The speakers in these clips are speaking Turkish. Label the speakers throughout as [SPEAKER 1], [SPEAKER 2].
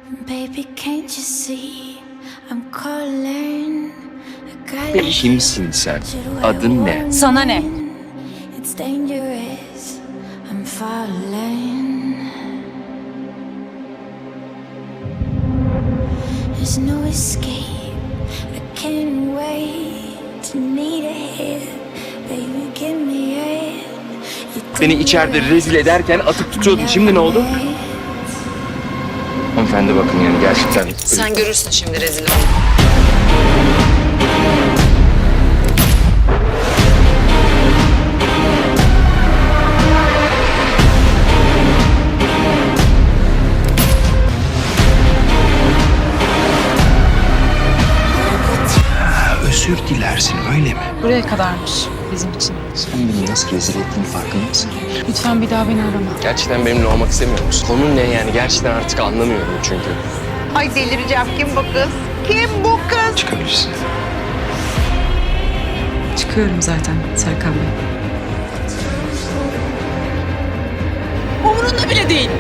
[SPEAKER 1] Baby, can't you see I'm calling?
[SPEAKER 2] Kimsin sen? Adın ne?
[SPEAKER 3] Sana ne?
[SPEAKER 1] It's dangerous. I'm falling. There's no escape. I can't wait to need a hit. Baby, give me it.
[SPEAKER 2] Seni içeride rezil ederken atıp tutuyordun. Şimdi ne oldu? Hanımefendi bakın yani gerçekten...
[SPEAKER 3] Sen görürsün şimdi rezil ol.
[SPEAKER 2] Özür dilersin öyle mi?
[SPEAKER 4] Buraya kadarmış bizim için.
[SPEAKER 2] Sen beni nasıl rezil ettiğini farkında mısın?
[SPEAKER 4] Lütfen bir daha beni arama.
[SPEAKER 2] Gerçekten benimle olmak istemiyor musun? Konu ne yani? Gerçekten artık anlamıyorum çünkü.
[SPEAKER 5] Ay delireceğim. Kim bu kız? Kim bu kız?
[SPEAKER 2] Çıkabilirsin.
[SPEAKER 4] Çıkıyorum zaten Serkan Bey. Umurunda bile değil.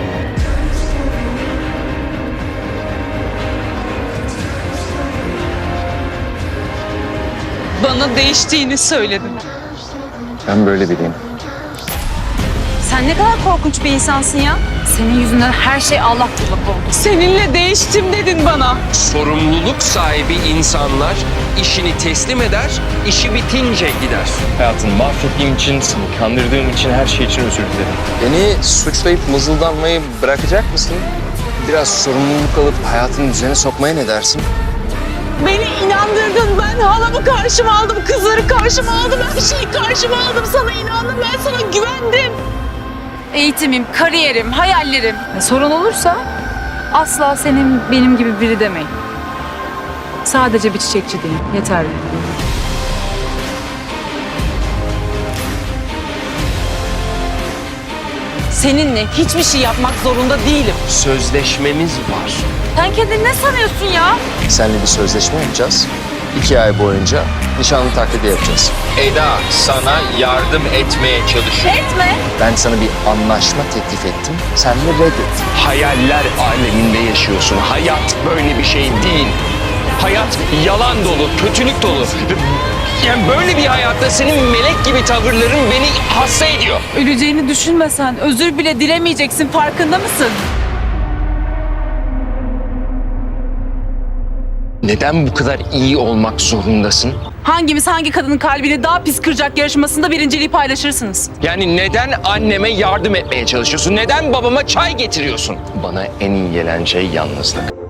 [SPEAKER 4] Bana değiştiğini söyledin.
[SPEAKER 2] Ben böyle biriyim.
[SPEAKER 3] Sen ne kadar korkunç bir insansın ya. Senin yüzünden her şey Allah bullak oldu.
[SPEAKER 4] Seninle değiştim dedin bana.
[SPEAKER 2] Sorumluluk sahibi insanlar işini teslim eder, işi bitince gider. Hayatını mahvettiğim için, seni kandırdığım için, her şey için özür dilerim. Beni suçlayıp mızıldanmayı bırakacak mısın? Biraz sorumluluk alıp hayatını düzene sokmaya ne dersin?
[SPEAKER 4] Beni inandırdın. Ben halamı karşıma aldım, kızları karşıma aldım, her şeyi karşıma aldım. Sana inandım, ben sana güvendim.
[SPEAKER 3] Eğitimim, kariyerim, hayallerim. Sorun olursa asla senin benim gibi biri demeyin. Sadece bir çiçekçi değil, yeterli.
[SPEAKER 4] Seninle hiçbir şey yapmak zorunda değilim.
[SPEAKER 2] Sözleşmemiz var.
[SPEAKER 3] Sen kendini ne sanıyorsun ya?
[SPEAKER 2] Seninle bir sözleşme yapacağız. 2 ay boyunca nişanlı taklidi yapacağız. Eda sana yardım etmeye çalışıyor.
[SPEAKER 3] Etme.
[SPEAKER 2] Ben sana bir anlaşma teklif ettim. Sen de reddettin. Hayaller aleminde yaşıyorsun. Hayat böyle bir şey değil. Hayat yalan dolu, kötülük dolu. Yani böyle bir hayatta senin melek gibi tavırların beni hasta ediyor.
[SPEAKER 4] Öleceğini düşünmesen özür bile dilemeyeceksin, farkında mısın?
[SPEAKER 2] Neden bu kadar iyi olmak zorundasın?
[SPEAKER 4] Hangimiz hangi kadının kalbini daha pis kıracak yarışmasında birinciliği paylaşırsınız?
[SPEAKER 2] Yani neden anneme yardım etmeye çalışıyorsun? Neden babama çay getiriyorsun? Bana en iyi gelen şey yalnızlık.